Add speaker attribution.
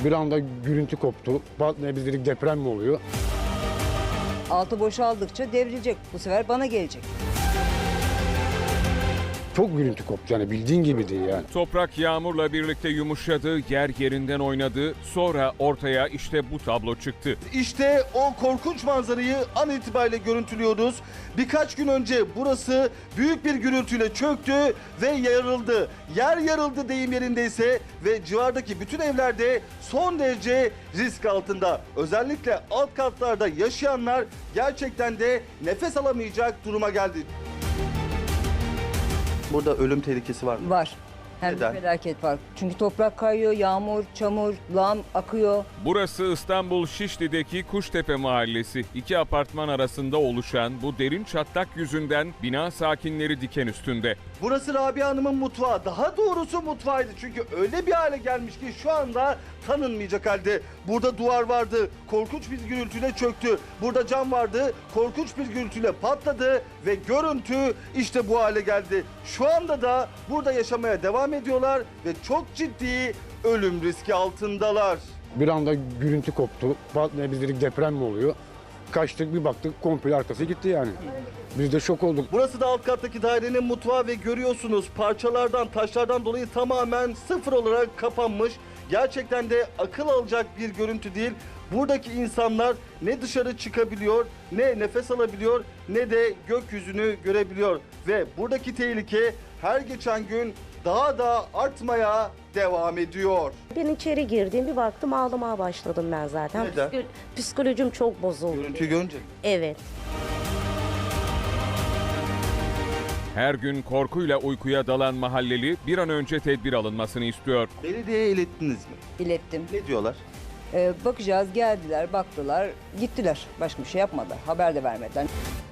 Speaker 1: Bir anda gürültü koptu. Ne biz dedik, deprem mi oluyor?
Speaker 2: Altı boşaldıkça devrilecek. Bu sefer bana gelecek.
Speaker 1: Çok gürültü koptu, yani bildiğin gibi değil yani.
Speaker 3: Toprak yağmurla birlikte yumuşadı, yer yerinden oynadı. Sonra ortaya işte bu tablo çıktı.
Speaker 4: İşte o korkunç manzarayı an itibariyle görüntülüyoruz. Birkaç gün önce burası büyük bir gürültüyle çöktü ve yarıldı. Yer yarıldı deyim yerindeyse ve civardaki bütün evlerde son derece risk altında. Özellikle alt katlarda yaşayanlar gerçekten de nefes alamayacak duruma geldi. Burada ölüm tehlikesi var mı?
Speaker 2: Var. Hem
Speaker 4: Neden?
Speaker 2: de felaket var. Çünkü toprak kayıyor, yağmur, çamur, lağım akıyor.
Speaker 3: Burası İstanbul Şişli'deki Kuştepe Mahallesi. İki apartman arasında oluşan bu derin çatlak yüzünden bina sakinleri diken üstünde.
Speaker 4: Burası Rabia Hanım'ın mutfağı. Daha doğrusu mutfağıydı. Çünkü öyle bir hale gelmiş ki şu anda tanınmayacak halde. Burada duvar vardı. Korkunç bir gürültüyle çöktü. Burada cam vardı. Korkunç bir gürültüyle patladı ve görüntü işte bu hale geldi. Şu anda da burada yaşamaya devam ediyorlar ve çok ciddi ölüm riski altındalar.
Speaker 1: Bir anda gürültü koptu. Ne biz dedik, deprem mi oluyor? Kaçtık, bir baktık komple arkası gitti yani. Biz de şok olduk.
Speaker 4: Burası da alt kattaki dairenin mutfağı ve görüyorsunuz parçalardan, taşlardan dolayı tamamen sıfır olarak kapanmış. Gerçekten de akıl alacak bir görüntü değil. Buradaki insanlar ne dışarı çıkabiliyor, ne nefes alabiliyor, ne de gökyüzünü görebiliyor. Ve buradaki tehlike her geçen gün daha da artmaya devam ediyor.
Speaker 5: Ben içeri girdim, bir baktım ağlamaya başladım ben zaten.
Speaker 4: Neden?
Speaker 5: Psikolojim çok bozuldu.
Speaker 4: Görüntüyü görünce.
Speaker 5: Evet.
Speaker 3: Her gün korkuyla uykuya dalan mahalleli bir an önce tedbir alınmasını istiyor.
Speaker 4: Belediyeye ilettiniz mi?
Speaker 2: İlettim.
Speaker 4: Ne diyorlar?
Speaker 2: Bakacağız, geldiler, baktılar, gittiler. Başka bir şey yapmadılar. Haber de vermediler.